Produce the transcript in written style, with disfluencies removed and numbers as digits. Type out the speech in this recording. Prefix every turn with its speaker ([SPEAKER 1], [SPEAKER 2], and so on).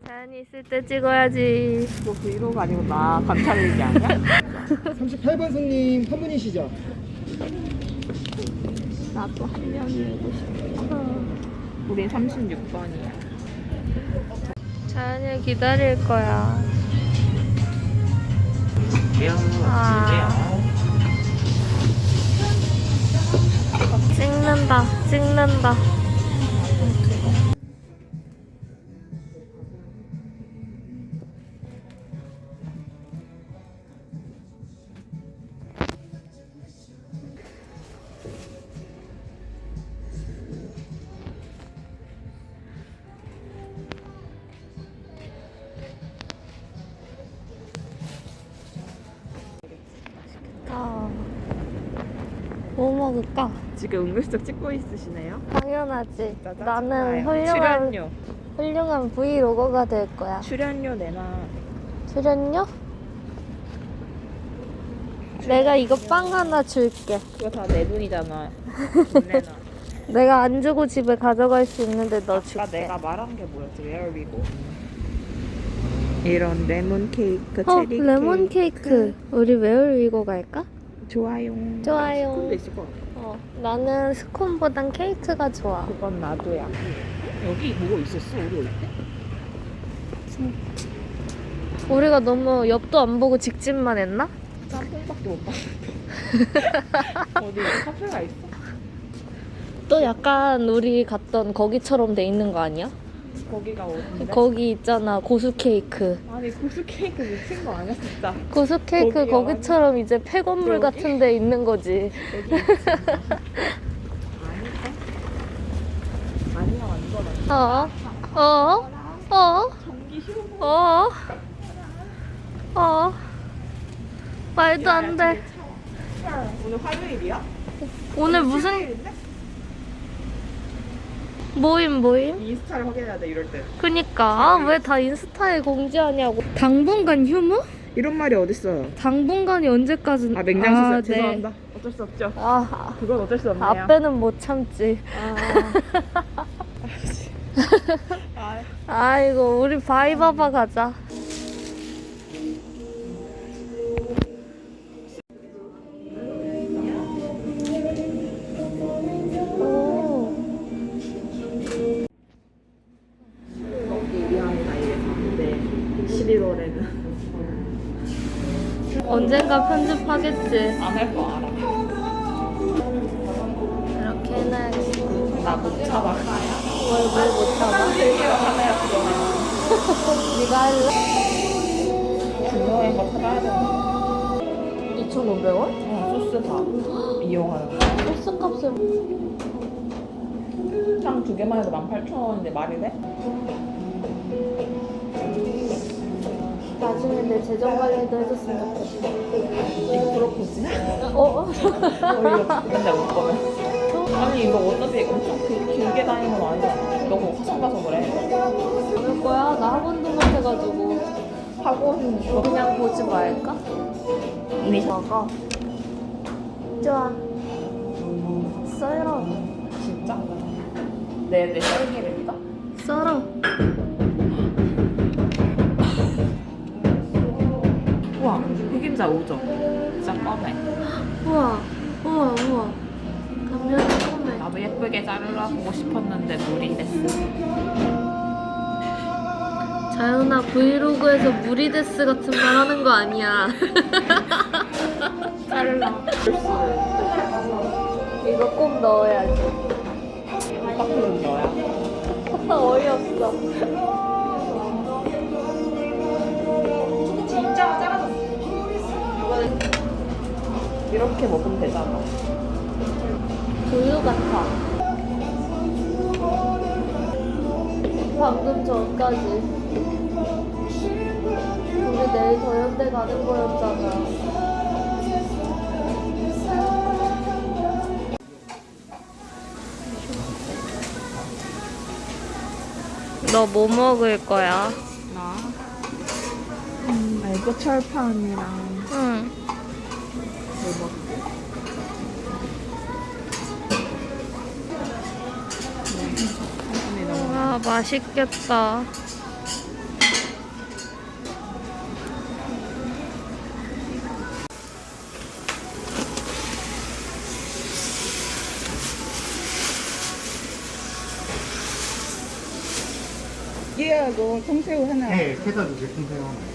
[SPEAKER 1] 자연이 있을 때 찍어야지.
[SPEAKER 2] 너 브이로그 아니고 나 관찰일기 아니야?
[SPEAKER 3] 38번 손님 한 분이시죠?
[SPEAKER 2] 나도 한 명이고 싶어. 우린 36번이야.
[SPEAKER 1] 자연이 기다릴 거야. 찍는다. 뭐 먹을까?
[SPEAKER 2] 지금 은근슬쩍 찍고 있으시네요?
[SPEAKER 1] 당연하지.
[SPEAKER 2] 짜증나요.
[SPEAKER 1] 나는
[SPEAKER 2] 출연료.
[SPEAKER 1] 훌륭한 브이로거가 될 거야.
[SPEAKER 2] 출연료 내놔.
[SPEAKER 1] 출연료? 내가 이거 빵 하나 줄게.
[SPEAKER 2] 그거 다 내 돈이잖아. 돈 내놔.
[SPEAKER 1] 내가 안 주고 집에 가져갈 수 있는데 너 줄게.
[SPEAKER 2] 아까 내가 말한 게 뭐였지? 웨어위고. 이런 레몬 케이크, 체리
[SPEAKER 1] 레몬 케이크. 우리 웨어위고 갈까?
[SPEAKER 2] 좋아요.
[SPEAKER 1] 좋아요.
[SPEAKER 2] 스콘도 있을 것 같아.
[SPEAKER 1] 나는 스콘보단 케이크가 좋아.
[SPEAKER 2] 그건 나도야. 여기 뭐가 있었어? 우리 올 때?
[SPEAKER 1] 우리가 너무 옆도 안 보고 직진만 했나?
[SPEAKER 2] 짬뽕밖에 못 봤는데. 어디 카페가 있어?
[SPEAKER 1] 또 약간 우리 갔던 거기처럼 돼 있는 거 아니야?
[SPEAKER 2] 거기가 어딘데?
[SPEAKER 1] 거기 있잖아, 고수 케이크.
[SPEAKER 2] 아니 고수 케이크 미친 거 아니야 진짜?
[SPEAKER 1] 고수 케이크
[SPEAKER 2] 거기야,
[SPEAKER 1] 거기처럼 이제 폐건물
[SPEAKER 2] 여기?
[SPEAKER 1] 같은 데 있는 거지.
[SPEAKER 2] 여기 있지. 아니야 완전 아니야. 전기 싫어.
[SPEAKER 1] 말도 안 돼.
[SPEAKER 2] 오늘 화요일이야?
[SPEAKER 1] 오늘 무슨 모임?
[SPEAKER 2] 인스타를 확인해야 돼 이럴 때.
[SPEAKER 1] 그니까 왜 다 인스타에 공지하냐고. 당분간 휴무?
[SPEAKER 2] 이런 말이 어딨어요?
[SPEAKER 1] 당분간이 언제까지?
[SPEAKER 2] 아 맹장수술
[SPEAKER 1] 네.
[SPEAKER 2] 죄송합니다. 어쩔 수 없죠.
[SPEAKER 1] 아,
[SPEAKER 2] 그건 어쩔 수 없네요.
[SPEAKER 1] 앞에는 못 참지. 아이고, 우리 바이바바 가자. 오.
[SPEAKER 2] 우리 하는 나이에 봤는데 11월에는
[SPEAKER 1] 언젠가 편집하겠지.
[SPEAKER 2] 안 할 거 알아.
[SPEAKER 1] 이렇게 해놔야겠어.
[SPEAKER 2] 나 못 참아.
[SPEAKER 1] 뭘 못 참아?
[SPEAKER 2] 하나야 그거는.
[SPEAKER 1] 네가 할래?
[SPEAKER 2] 중요한 거 사가야 되는
[SPEAKER 1] 2,500원?
[SPEAKER 2] 소스 다 이용하는 거.
[SPEAKER 1] 소스 값을
[SPEAKER 2] 상 두 개만 해도 18,000원인데 말이 돼?
[SPEAKER 1] 나중에 내 재정 관리도 해줬으면 좋겠어.
[SPEAKER 2] 이거 프로포즈?
[SPEAKER 1] 어이없어.
[SPEAKER 2] 맨날 올 거면. 아니 이거 어차피 엄청 길게 다니는 건 아니잖아. 너무 화성 가서 그래.
[SPEAKER 1] 올 거야? 나 학원도 못 해가지고.
[SPEAKER 2] 학원
[SPEAKER 1] 그냥 보지 말까?
[SPEAKER 2] 이미
[SPEAKER 1] 먹어. 좋아. 썰어.
[SPEAKER 2] 진짜? 내 썰기를 믿어?
[SPEAKER 1] 썰어.
[SPEAKER 2] 우와 흑임자 5점. 진짜 껌해.
[SPEAKER 1] 우와. 감면이 꼼해.
[SPEAKER 2] 나도 예쁘게 자르려고 싶었는데 물이 됐어.
[SPEAKER 1] 자연아, 브이로그에서 무리데스 같은 말 하는 거 아니야.
[SPEAKER 2] 자르려.
[SPEAKER 1] 이거 꼭 넣어야지.
[SPEAKER 2] 깜빡이는 너야.
[SPEAKER 1] 어이없어.
[SPEAKER 2] 진짜 작아졌어. 이렇게 먹으면 되잖아.
[SPEAKER 1] 우유 같아. 방금 전까지 우리 내일 더현대 가는 거였잖아. 너 뭐 먹을 거야?
[SPEAKER 2] 나? 말고 철판이랑
[SPEAKER 1] 응.
[SPEAKER 2] 뭐 먹지?
[SPEAKER 1] 와, 맛있겠다.
[SPEAKER 4] 깨하고 통새우 하나.
[SPEAKER 3] 네, 캐다 주세요. 통새우 하나.